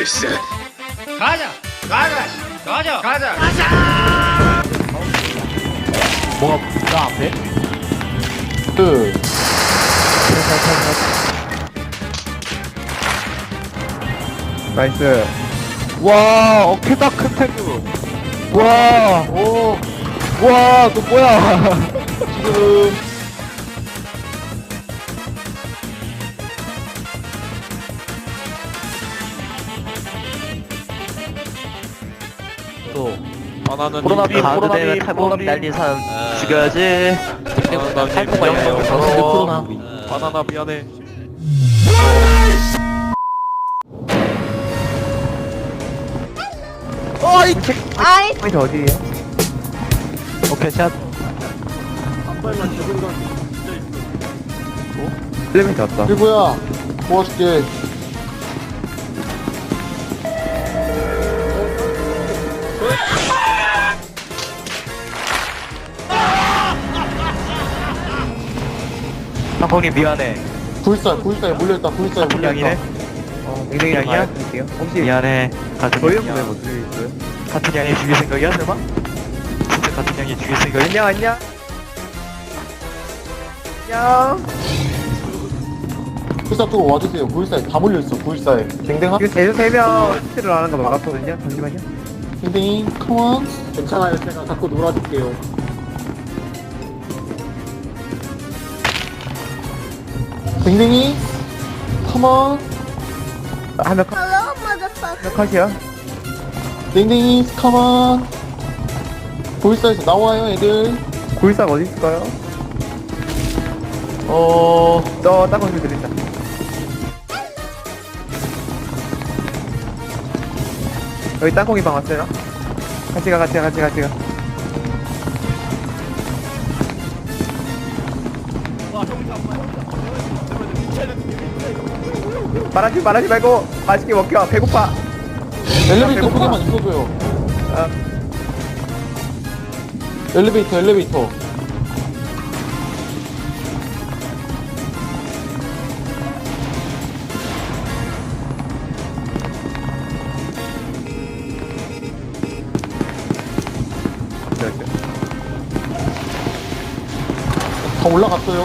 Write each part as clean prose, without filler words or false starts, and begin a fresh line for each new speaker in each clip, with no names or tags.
일세.
가자.
뭐가 나 앞에?
그
나이스. 와, 어깨다 큰 태그. 와, 오, 와, 너 뭐야?
지금
또
바나나님
가드되면 탈모감 날린 사람 죽여야지. 탈모가 영광을 더러워.
바나나 미안해.
어이 책. 아이. 포인트 어디에요? 오케이 샷. 엘리베이터 왔다.
일구야 도와줄게.
형님 미안해.
불살 몰려있다. 불살
같은
몰려있다.
양이네. 아니야? 혹시 미안해. 같은 양이야. 같은 양이 죽일 생각이야 설마? 진짜 같은 양이 죽일 생각이야? 안녕.
불살 또 와주세요. 불살 다 몰려있어. 불살 댕댕아?
이거 대전 3명 히트를 안 하는 거 막았거든요? 잠시만요.
댕댕이 컴온. 괜찮아요. 제가 갖고 놀아줄게요. 댕댕이 컴온.
한명
Hello, motherfucker.
컷이야.
댕댕이 컴온. 불살에서 나와요 애들.
골상 어디 있을까요? 저 땅콩 드린다. 여기 땅콩이 방 왔어요. 같이 가. 말하지 말고 맛있게 먹겨. 배고파.
엘리베이터
배고파.
소개만 있어줘요.
아,
엘리베이터. 다 올라갔어요.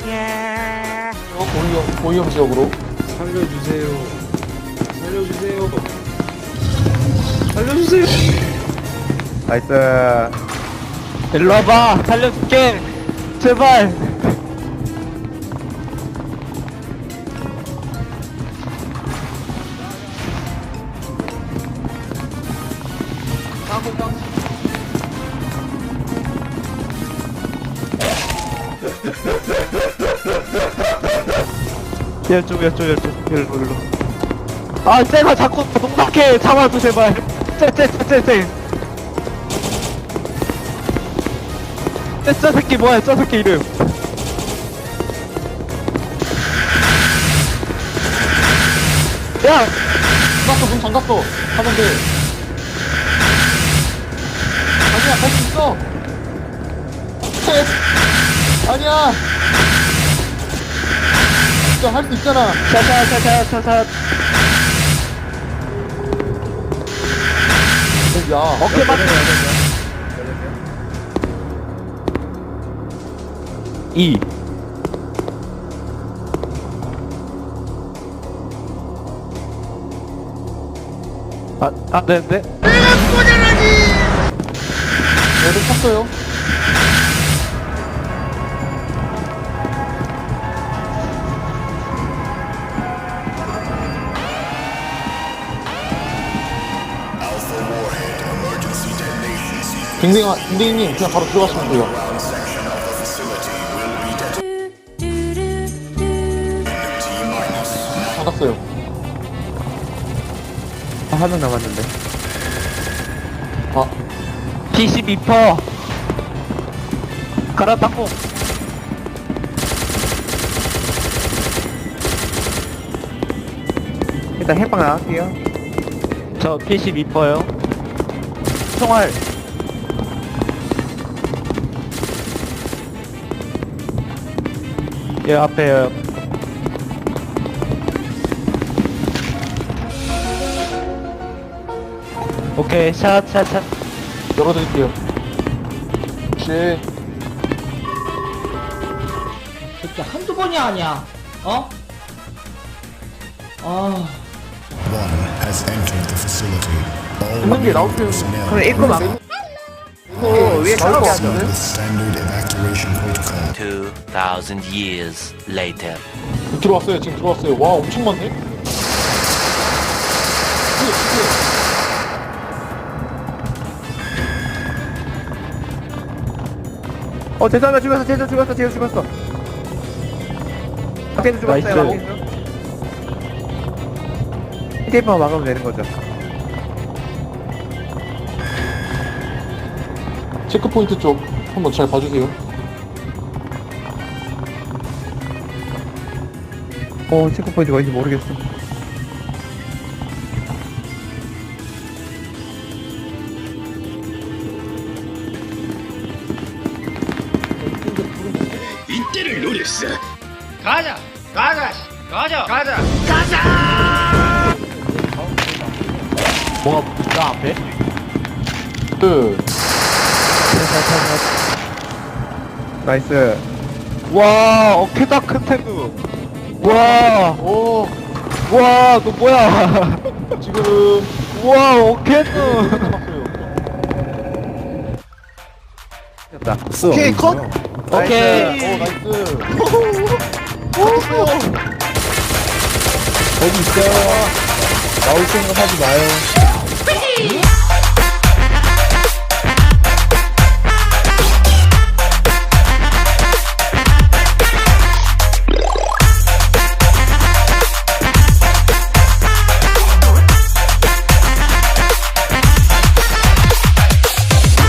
고위험 지역으로.
나이스. 일로 와봐. 살려줄게. 제발. 열쪽. 일로. 아, 쟤가 자꾸 농락해. 잡아줘, 제발. 쟤. 저 새끼 뭐야, 저 새끼 이름. 야!
문 잠갔어. 하면 돼. 아니야, 할 수 있어. 아니야. 진짜 할 수 있잖아.
차.
야,
어깨 맞 2. 네네.
애들 탔어요. 댕댕이님 그냥 바로 들어가시면 돼요. 받았어요.
한 명 남았는데.
아,
P12퍼. 가라, 땅콩. 일단 해방 나갈게요. 저 P12퍼요. 총알. 예, 앞에요. 오케이, 샷.
열어드릴게요. 혹시
새끼 한두 번이 아니야. 어? 아.
One has entered the facility. All
있는 게 나올 필요
personnel
그럼 입고 막 위에
follow
가게
the
하거든.
standard evacuation protocol.
2,000 years later.
들어왔어요. 지금 들어왔어요. 와 엄청 많네.
죄송합니다. 죽었어. 제우 죽었어. 박태도 죽었어요.
나이스.
테이프만 막으면 되는 거죠.
체크포인트 쪽 한번 잘 봐주세요.
체크포인트가 어딘지 모르겠어.
뭐가 나 앞에?
그
나이스.
와, 어케다 큰 태그. 와,
오,
와, 너 뭐야?
지금
와, 어케누.
됐다.
오케이 컷.
오케이.
오 나이스.
거기 있어요. 나올 생각 하지 마요.